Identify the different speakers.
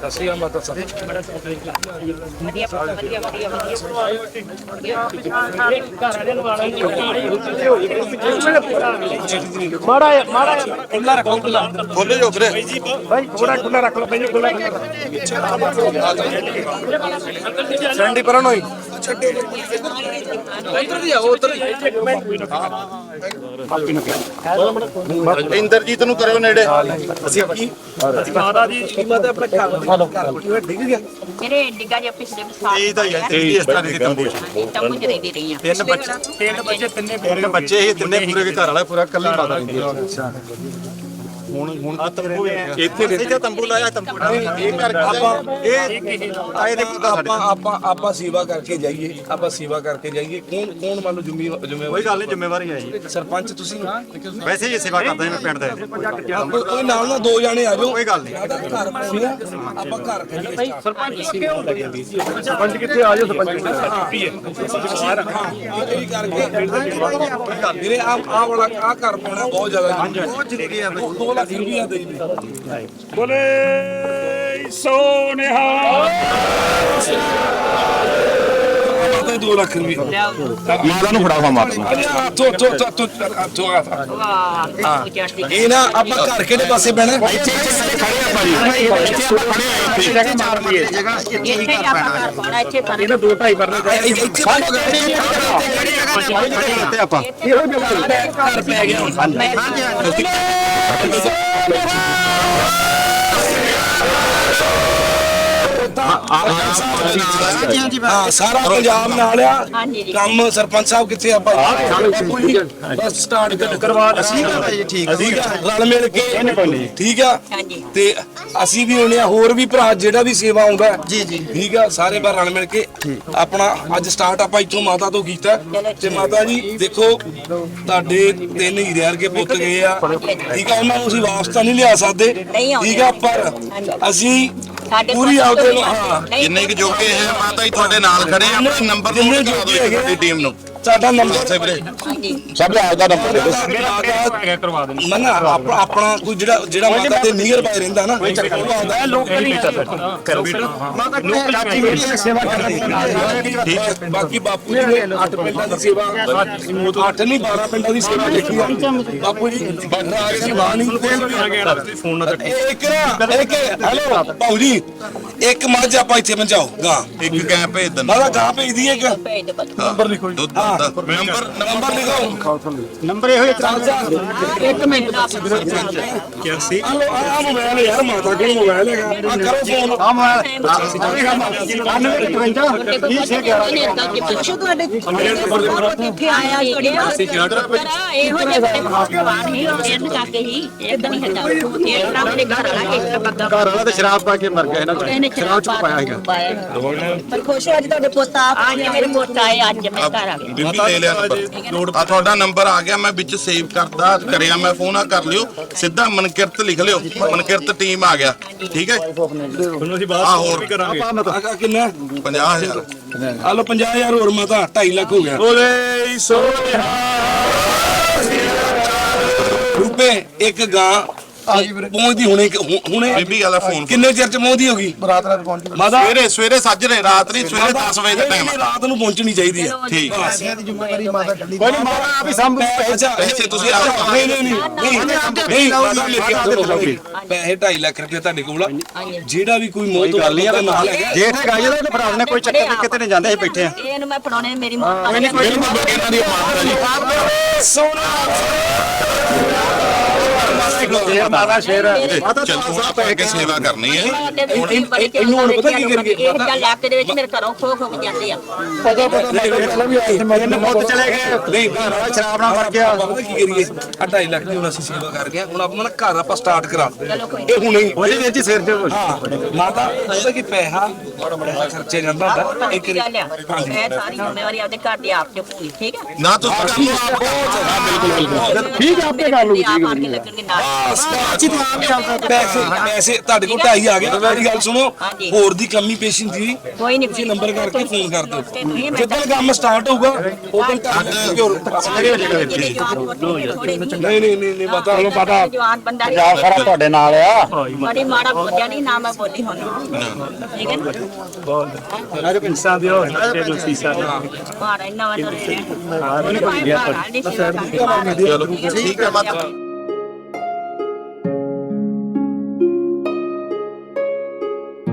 Speaker 1: ਸਸੀ ਮਾਤਾ ਸਰ ਮਾੜਾ ਮਾੜਾ ਖੁੱਲਾ ਰੱਖੋ ਖੋਲੇ ਜੋ ਵੀਰੇ ਭਾਈ ਥੋੜਾ ਖੁੱਲਾ ਰੱਖ ਲਓ ਭਾਈ ਖੁੱਲਾ ਸੈਂਡੀ ਪਰਨ ਹੋਈ ਇੱਧਰ ਦੀ ਆਓ ਉੱਧਰ
Speaker 2: ਇੰਦਰਜੀਤ ਨੂੰ ਕਰਿਓ ਨੇੜੇ
Speaker 1: ਅਸੀਂ ਕੀ ਮਾਤਾ ਜੀ ਕੀਮਤ ਹੈ ਆਪਣਾ ਘਰ ਡਿੱਗ ਗਿਆ
Speaker 3: ਮੇਰੇ ਡਿੱਗਾ ਜਿਹਾ ਪਿਛਲੇ ਸਾਲ
Speaker 2: ਇਹ ਤਾਂ ਇਸ ਤਰ੍ਹਾਂ ਦੀ ਤੰਬੂ
Speaker 3: ਤੰਬੂ ਚ ਰਹਿੰਦੀ ਰਹੀ ਆ
Speaker 2: ਤਿੰਨ ਬੱਚੇ ਇਹ ਤਿੰਨੇ ਪੂਰੇ ਦੇ ਘਰ ਵਾਲਾ ਪੂਰਾ ਕੱਲੀ ਮਾਤਾ ਰਹਿੰਦੀ ਹੈ ਅੱਛਾ ਹੁਣ ਆ ਤੰਬੂ ਇੱਥੇ ਤੰਬੂ ਲਾਇਆ ਤੰਬੂ ਇਹ ਕਰਕੇ ਆਏ ਦੇ
Speaker 1: ਆਪਾਂ ਸੇਵਾ ਕਰਕੇ ਜਾਈਏ ਕੌਣ ਮੰਨ ਲਓ ਜ਼ਿੰਮੇਵਾਰੀ
Speaker 2: ਕੋਈ ਗੱਲ ਨਹੀਂ ਜ਼ਿੰਮੇਵਾਰੀ ਹੈ ਜੀ
Speaker 1: ਸਰਪੰਚ ਤੁਸੀਂ
Speaker 2: ਵੈਸੇ ਹੀ ਸੇਵਾ ਕਰਦਾ ਮੈਂ ਪਿੰਡ ਦਾ
Speaker 1: ਕੋਈ ਨਾਲ ਨਾ ਦੋ ਜਾਣੇ ਆ ਜਾਓ
Speaker 2: ਕੋਈ ਗੱਲ ਨਹੀਂ
Speaker 1: ਘਰ ਆਪਾਂ ਘਰ ਕਰੀਏ
Speaker 2: ਸਰਪੰਚ ਕਿੱਥੇ ਆ ਜਾਓ ਸਰਪੰਚ
Speaker 1: ਵੀਰੇ ਆ ਵਾਲਾ ਆ ਘਰ ਪਾਉਣਾ ਬਹੁਤ ਜ਼ਿਆਦਾ ਜ਼ਰੂਰੀ ਹੈ 2 ਲੱਖ ਰੁਪਇਆ ਦੇ ਦੇ
Speaker 4: ਬੋਲੇ ਸੋਨਿਹਾ
Speaker 1: 2 ਲੱਖ ਰੁਪਇਆ
Speaker 2: ਮਾਤਾ ਨੂੰ ਫੜਾਵਾ ਮਾਤਾ
Speaker 1: ਇਹ ਨਾ ਆਪਾਂ ਘਰ ਕਿਹੜੇ ਪਾਸੇ ਬਹਿਣਾ
Speaker 4: ਇਹਨਾਂ 2.5 ਪਰਨੇ
Speaker 2: ਤੇ ਆਪਾਂ
Speaker 1: ਘਰ ਪੈ ਗਿਆ ਹਾਂ ਸਾਰਾ ਪੰਜਾਬ ਨਾਲ ਆ ਕੰਮ ਸਰਪੰਚ ਸਾਹਿਬ ਕਿੱਥੇ ਆ ਭਾਈ ਬਸ ਸਟਾਰਟ ਕਰਵਾ ਅਸੀਂ ਠੀਕ ਰਲ ਮਿਲ ਕੇ ਠੀਕ ਆ ਤੇ ਅਸੀਂ ਵੀ ਹੋਣੇ ਆ ਹੋਰ ਵੀ ਭਰਾ ਜਿਹੜਾ ਵੀ ਸੇਵਾ ਆਉਂਦਾ ਜੀ ਠੀਕ ਆ ਸਾਰੇ ਬਾਰ ਰਲ ਮਿਲ ਕੇ ਆਪਣਾ ਅੱਜ ਸਟਾਰਟ ਆਪਾਂ ਇੱਥੋਂ ਮਾਤਾ ਤੋਂ ਕੀਤਾ ਤੇ ਮਾਤਾ ਜੀ ਦੇਖੋ ਤੁਹਾਡੇ 3 ਹੀਰੇ ਵਰਗੇ ਪੁੱਤ ਗਏ ਆ ਠੀਕ ਆ ਉਹਨਾਂ ਨੂੰ ਅਸੀਂ ਵਾਪਸ ਤਾਂ ਨਹੀਂ ਲਿਆ ਸਕਦੇ ਠੀਕ ਆ ਪਰ ਅਸੀਂ ਪੂਰੀ ਆਪਦੇ
Speaker 2: ਜਿੰਨੇ ਕਿ ਜੋਗੇ ਹੈ ਮਾਤਾ ਜੀ ਤੁਹਾਡੇ ਨਾਲ ਖੜੇ ਆ ਆਪਣੇ ਨੰਬਰ ਨੂੰ ਦਿਓ ਤੁਹਾਡੀ ਟੀਮ ਨੂੰ
Speaker 1: ਸਾਡਾ ਨੰਬਰ
Speaker 2: ਸੇ ਵੀਰੇ ਸਭ ਦਾ ਆਪਦਾ ਨੰਬਰ ਦੇ ਦਿਓ
Speaker 4: ਕਰਵਾ ਦੇਣੀ
Speaker 1: ਨਾ ਆਪਣਾ ਕੋਈ ਜਿਹੜਾ ਮਾਤਾ ਦੇ ਨੀਅਰ ਬਾਈ ਰਹਿੰਦਾ ਨਾ
Speaker 4: ਲੋਕਲ ਹੀ
Speaker 1: ਮਾਤਾ ਲੋਕਲ ਸੇਵਾ ਕਰਦੀ ਠੀਕ ਹੈ ਬਾਕੀ ਬਾਪੂ ਜੀ ਨੇ 8 ਪਿੰਡਾਂ ਦੀ ਸੇਵਾ 8 ਨਹੀਂ 12 ਪਿੰਡਾਂ ਦੀ ਸੇਵਾ ਦੇਖੀ ਆ ਬਾਪੂ ਜੀ ਬੰਦਾ ਆ ਕੇ ਬਾਣੀ
Speaker 4: ਫੋਨ ਨਾਲ
Speaker 1: ਇੱਕ ਹੈਲੋ ਬਾਪੂ ਜੀ ਇੱਕ ਮੱਝ ਆਪਾਂ ਇੱਥੇ ਪਹੁੰਚਾਓ ਗਾਂ
Speaker 2: ਇੱਕ ਗੈਂ ਭੇਜ ਦਿੰਦਾ
Speaker 1: ਮਾਤਾ ਗਾਂ ਭੇਜਦੀ ਇੱਕ
Speaker 2: ਨੰਬਰ ਲਿਖੋ ਨੰਬਰ ਲਿਖੋ
Speaker 1: ਨੰਬਰ ਇਹੋ ਹੀ ਇੱਕ ਮਿੰਟ ਆ ਮੋਬਾਈਲ ਯਾਰ ਮਾਤਾ ਕੋਲ ਮੋਬਾਈਲ ਹੈਗਾ ਆ ਕਰੋ ਫੋਨ ਆ ਮੋਬਾਈਲ
Speaker 3: ਕਿੱਥੇ ਆਇਆ ਇਹੋ ਜਿਹੇ ਭਗਵਾਨ ਹੀ ਇਹਨਾਂ ਕਰਕੇ ਹੀ ਇਦਾਂ ਨਹੀਂ ਹੁੰਦਾ ਇਹ ਰੱਬ ਦੇ ਘਰ ਵਾਲਾ ਇੱਕ ਬੱਗਾ
Speaker 2: ਘਰ ਵਾਲਾ ਤੇ ਸ਼ਰਾਬ ਪਾ ਕੇ ਮਰ ਗਿਆ ਇਹਨਾਂ ਸ਼ਰਾਬ ਚ ਪਾਇਆ ਹੈਗਾ
Speaker 3: ਪਰ ਖੁਸ਼ ਹੋ ਅੱਜ ਤੁਹਾਡੇ ਪੁੱਤ ਆ ਅੱਜ ਮੇਰੇ ਪੁੱਤ ਆਏ ਅੱਜ ਮੈਂ ਘਰ ਆ ਗਿਆ
Speaker 2: ਬੀਬੀ ਲੈ ਲਿਆ ਨੰਬਰ ਆ ਤੁਹਾਡਾ ਨੰਬਰ ਆ ਗਿਆ ਮੈਂ ਵਿੱਚ ਸੇਵ ਕਰਦਾ ਕਰਿਆ ਮੈਂ ਫੋਨ ਆ ਕਰ ਲਿਓ ਸਿੱਧਾ ਮਨਕਿਰਤ ਲਿਖ ਲਿਓ ਮਨਕਿਰਤ ਟੀਮ ਆ ਗਿਆ ਠੀਕ ਹੈ
Speaker 4: ਤੁਹਾਨੂੰ ਅਸੀਂ ਬਾਅਦ
Speaker 2: ਹੋਰ
Speaker 4: ਵੀ ਕਰਾਂਗੇ
Speaker 1: ਆ ਕਿੰਨਾ
Speaker 2: 50000
Speaker 1: ਆ ਲੋ 50000 ਹੋਰ ਮਾਤਾ 2.5 ਲੱਖ ਹੋ ਗਿਆ
Speaker 4: ਬੋਲੇ ਸੋਨਿਹਾ
Speaker 1: ਰੁਪਏ ਇੱਕ ਗਾਂ ਪਹੁੰਚਦੀ ਹੁਣੇ
Speaker 2: ਬੀਬੀ ਵਾਲਾ ਫੋਨ
Speaker 1: ਕਿੰਨੇ ਚਿਰ ਚ ਪਹੁੰਚਦੀ ਹੋਗੀ
Speaker 2: ਰਾਤ ਪਹੁੰਚ
Speaker 1: ਮਾਤਾ
Speaker 2: ਸਵੇਰੇ ਸੱਜਰੇ ਰਾਤ ਨਹੀਂ ਸਵੇਰੇ 10 ਵਜੇ ਦਾ ਟਾਈਮ
Speaker 1: ਰਾਤ ਨੂੰ ਪਹੁੰਚਣੀ ਚਾਹੀਦੀ ਹੈ
Speaker 2: ਠੀਕ
Speaker 1: ਕੋਈ ਮਾਤਾ ਆਪ ਹੀ ਸੰਭ
Speaker 2: ਪੈਸੇ ਤੁਸੀਂ ਆਪ
Speaker 1: ਨਹੀਂ ਪੈਸੇ 2.5 ਲੱਖ ਰੁਪਏ ਤੁਹਾਡੇ ਕੋਲ ਆ ਜਿਹੜਾ ਵੀ ਕੋਈ ਮੌਤ ਕਰ ਲਿਆ ਨਾਲ ਹੈਗਾ
Speaker 2: ਜੇਠ ਹੈਗਾ ਜਿਹਦਾ ਤੇ ਭਰਾ ਨੇ ਕੋਈ ਚੱਕਰ ਨਹੀਂ ਕਿਤੇ ਨਹੀਂ ਜਾਂਦੇ ਅਸੀਂ ਬੈਠੇ ਆ
Speaker 3: ਇਹਨੂੰ ਮੈਂ ਫੜਾਉਣੇ ਮੇਰੀ ਮਾਂ
Speaker 2: ਇਹਨਾਂ ਦੀ ਮਾਤਾ ਜੀ
Speaker 4: ਮਾਤਾ ਸ਼ੇਰ
Speaker 2: ਚਲ ਹੁਣ ਆਪਾਂ ਅੱਗੇ ਸੇਵਾ ਕਰਨੀ ਹੈ
Speaker 1: ਇਹਨੂੰ ਹੁਣ ਪਤਾ ਕੀ ਕਰੀਏ
Speaker 3: ਇਹ ਗੱਲ ਲੱਕ ਦੇ ਵਿੱਚ ਮੇਰੇ ਘਰੋਂ ਖੋ ਜਾਂਦੇ ਆ
Speaker 2: ਬਹੁਤ ਚਲੇ ਗਏ
Speaker 1: ਨਹੀਂ
Speaker 2: ਸ਼ਰਾਬ ਨਾਲ ਮਰ ਗਿਆ
Speaker 1: ਪਤਾ ਕੀ ਕਰੀਏ 2.5 ਲੱਖ ਦੀ ਹੁਣ ਅਸੀਂ ਸੇਵਾ ਕਰ ਗਏ ਹੁਣ ਆਪਾਂ ਨਾ ਘਰ ਆਪਾਂ ਸਟਾਰਟ ਕਰਾ ਇਹ ਹੁਣੇ ਹੀ
Speaker 2: ਉਹਦੇ ਵਿੱਚ ਸਿਰ ਤੇ
Speaker 1: ਹਾਂ ਮਾਤਾ ਪਤਾ ਕੀ ਪੈਸਾ ਬੜਾ ਖਰਚੇ ਜਾਂਦਾ ਹੁੰਦਾ ਇੱਕ
Speaker 3: ਇਹ ਸਾਰੀ ਜ਼ਿੰਮੇਵਾਰੀ ਆਪਦੇ ਘਰ ਦੀ ਆਪ ਤੇ ਪੂਰੀ ਠੀਕ ਹੈ
Speaker 2: ਨਾ ਤੁਸੀਂ
Speaker 1: ਠੀਕ ਹੈ ਆਪੇ ਕਰ ਲਓ
Speaker 3: ਆਪ ਆਣ ਕੇ ਲੱਗਣਗੇ ਨਾਲ
Speaker 1: ਪੈਸੇ ਤੁਹਾਡੇ ਕੋਲ 2.5 ਆ ਗਏ ਮੇਰੀ ਗੱਲ ਸੁਣੋ
Speaker 3: ਹਾਂਜੀ।
Speaker 1: ਹੋਰ ਦੀ ਕਮੀ ਪੇਸ਼ੀ ਹੁੰਦੀ
Speaker 3: ਕੋਈ ਨਹੀਂ
Speaker 1: ਤੁਸੀਂ ਨੰਬਰ ਕਰਕੇ ਫੋਨ ਕਰ ਦਿਓ
Speaker 3: ਤੁਸੀਂ
Speaker 1: ਜਦੋਂ ਕੰਮ ਸਟਾਰਟ ਹੋਊਗਾ ਉਦੋਂ ਨਹੀਂ ਪਤਾ ਹਲੋ ਪਤਾ
Speaker 3: ਜਵਾਨ ਬੰਦਾ
Speaker 5: ਪੰਜਾਬ ਸਾਰਾ ਤੁਹਾਡੇ ਨਾਲ ਆ
Speaker 3: ਬੜੀ ਮਾੜਾ ਬੋਲਿਆ ਨਹੀਂ ਨਾ ਮੈਂ ਬੋਲੀ ਹੁਣ ਠੀਕ ਹੈ ਨਾ
Speaker 4: ਬਹੁਤ ਇਨਸਾਨ ਦੀ ਹੋਣ ਤੇ ਨੂੰ ਸੀਸਾ
Speaker 3: ਮਾੜਾ ਇੰਨਾ ਵਾ ਤੋਰੇ ਮਾੜਾ ਨਹੀਂ ਸੀਗਾ
Speaker 2: ਠੀਕ ਹੈ ਮਾਤਾ